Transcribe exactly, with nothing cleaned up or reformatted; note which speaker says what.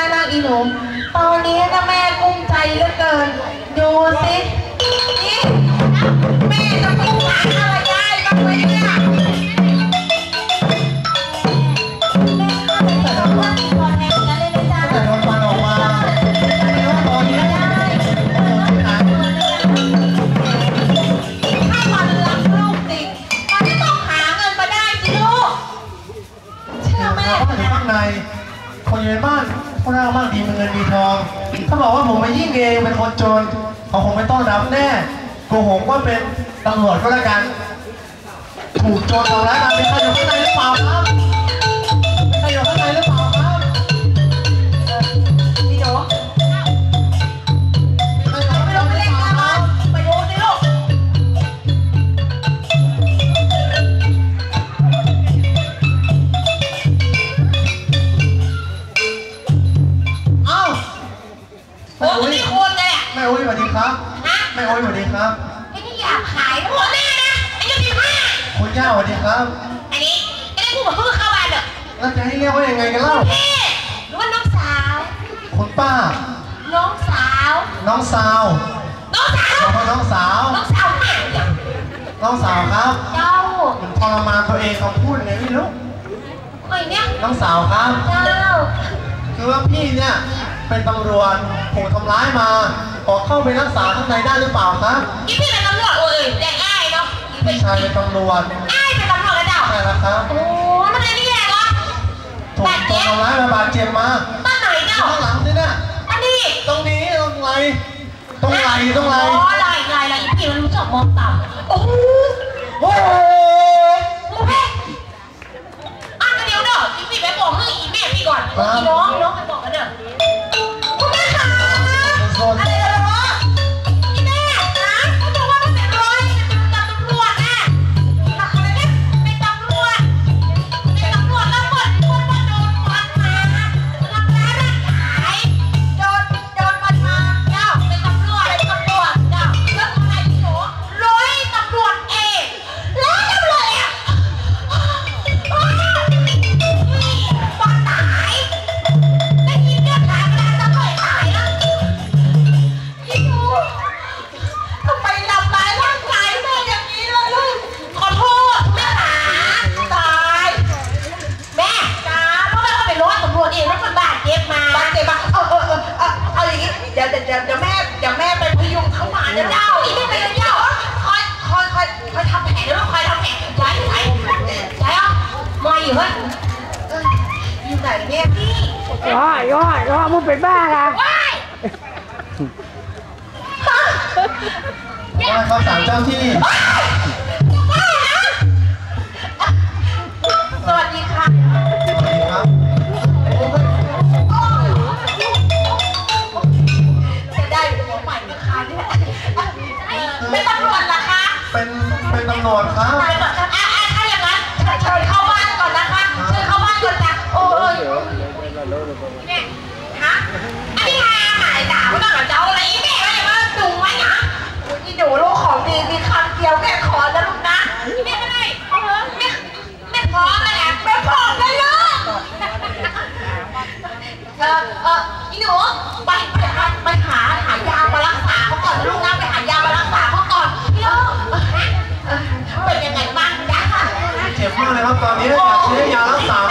Speaker 1: นะอีหนูตอนนี้นะแม่กุ้มใจเหลือเกินดูสินี่แม่จะกุ้มหาอะไรได้บ้างไหมเนี่ย
Speaker 2: คนอยู่ในบ้านคนร่างมากดีมีเงินมีทองถ้าบอกว่าผมไปยิ่งเองเป็นคนจนเขาคงไม่ต้อนรับแน่โกหกว่าเป็นตำรวจก็แล้วกันถูกโจรทำร้ายมาเป็นใครอยู่ข้างในหรือเปล่าครับใครอยู่ข้างในหรือเปล่าครับ
Speaker 1: พี่โดไปลงไปเล่นกันมาไปดูสิลูกโอ้ยนี่คนเลยอ่ะ
Speaker 2: แม่โอ้ยสวัสดีครับแม่โอ้ยสวัสดีครับ
Speaker 1: ไอ้นี่อยากขายหัวแม่นะไอ้ยี่สิบห้า
Speaker 2: คุณย่าสวัสดีครับ
Speaker 1: อันนี้ไอ้นี่พูดเหมือนเพิ่งเข้าบ้านเด้อ
Speaker 2: แล้วจะให้เรียกว่ายังไงกันเล่า
Speaker 1: พี่หรือว่าน้องสาว
Speaker 2: คุณป้า
Speaker 1: น้องสาว
Speaker 2: น้องสาว
Speaker 1: น้องสาว
Speaker 2: น้องสาว
Speaker 1: น้องสาวไหน
Speaker 2: น้องสาวครับ
Speaker 1: เจ้า
Speaker 2: ผมทรมานตัวเองเขาพูดไงไม่รู้
Speaker 1: ไอ้เนี่ย
Speaker 2: น้องสาวครับ
Speaker 1: เจ้า
Speaker 2: คือว่าพี่เนี่ยเป็นตำรวจถูกทำร้ายมาขอเข้าไปรักษาข้างในได้หรือเปล่าครับ
Speaker 1: ยี่พี่เป็นตำรวจโอ้ยแดงง่ายเนาะ
Speaker 2: พี่ชายเป็นตำรวจ
Speaker 1: ง่ายเป็นตำรวจแล้วเจ้า
Speaker 2: ใช่แล้วครับ
Speaker 1: โอ้มันเลยนี่แหละวะ
Speaker 2: ถูกทำร้ายมาบาดเจ็บมา
Speaker 1: ตอนไหนเจ้า
Speaker 2: ข้างหลังนี่เนี่ย
Speaker 1: อันนี้
Speaker 2: ตรงนี้ตรงไหลตรงไหลตรงไหล
Speaker 1: อ๋อไหลไหลไหลพี่มันรู้จักมองต่ำโอ้โหโอ้โหโอ้โหอ่ะเดี๋ยวเด้อยี่พี่ไปบอกให้อีแม่พี่ก่อนอีน้องน้องไปบอกกันเด้อคุณแม่ค่ะอะไรเหรออีแม่นะเขาบอกว่ามันเป็นร้อยเป็นตำรวจนะอะไรเนี่ยเป็นตำรวจเป็นตำรวจแล้วหมดคนมาโดนฟันมาทำร้ายร่างกายโดนโดนฟันมาเจ้าเป็นตำรวจเป็นตำรวจเจ้าแล้วทำไมพี่หนูร้อยตำรวจเองแล้วตำรวจอ่ะฟันตายได้ยินเรื่องขายกระดาษจะปล่อยขายนะพี่หนูทำไมทำร้ายร่างกายแม่อย่างนี้ล่ะลูกขอโทษแม่ขาตายแม่จ้าเพราะแม่ก็ไปร้อยตำรวจเองแล้วมันบาดเจ็บมาบาดเจ็บมาเออเออเออเอาเอาอย่างนี้เดี๋ยวเดี๋ยวเดี๋ยวแม่เดี๋ยวแม่ไปพยุงเข้ามาเดี๋ยวเจ้าอีกไม่ไปเดี๋ยวคอยคอยคอยคอยทำแผลเดี๋ยวคอยทำแผลใช่ใช่ใช่อ่ะมาอยู่เฮ้ยอยู่ไหนเนี่ยพี่
Speaker 3: ย่อย่อย่อมึงเป็นบ้าละ
Speaker 1: ว้าย
Speaker 2: ว่าเขาสั่งเจ้าที่
Speaker 1: สวัสดีค่ะ
Speaker 2: สวัสดีครับ
Speaker 1: จะได้หัวใหม่ไหมคะเนี่ยเป็นตำรวจเหรอคะ
Speaker 2: เป็นเป็นตำรวจครับ
Speaker 1: ตายก่อนอ่ะอ่ะถ้าอย่างนั้นเชิญเข้าบ้านก่อนนะคะเชิญเข้าบ้านก่อนนะโอ้ยเนี่ยฮะอันนี้หาหายด่าไม่ต้องกับเจ้าอะไรแม่ไม่มาดุไหมนะนี่ดูลูกของดีมีคำเดียวแม่ขอนะลูกนะแม่ไม่ได้แม่แม่พร้อมเลยนะแม่พร้อมเลยลูกเออเอออีหนูไปไปไปหาหายามารักษาเขาก่อนลูกนะไปหายามารักษาเขาก่อนพี่ลูกเป็นยังไงบ้างจ๊ะ
Speaker 2: เจ็บมากเลยครับตอนนี้อยากซื้อยารักษา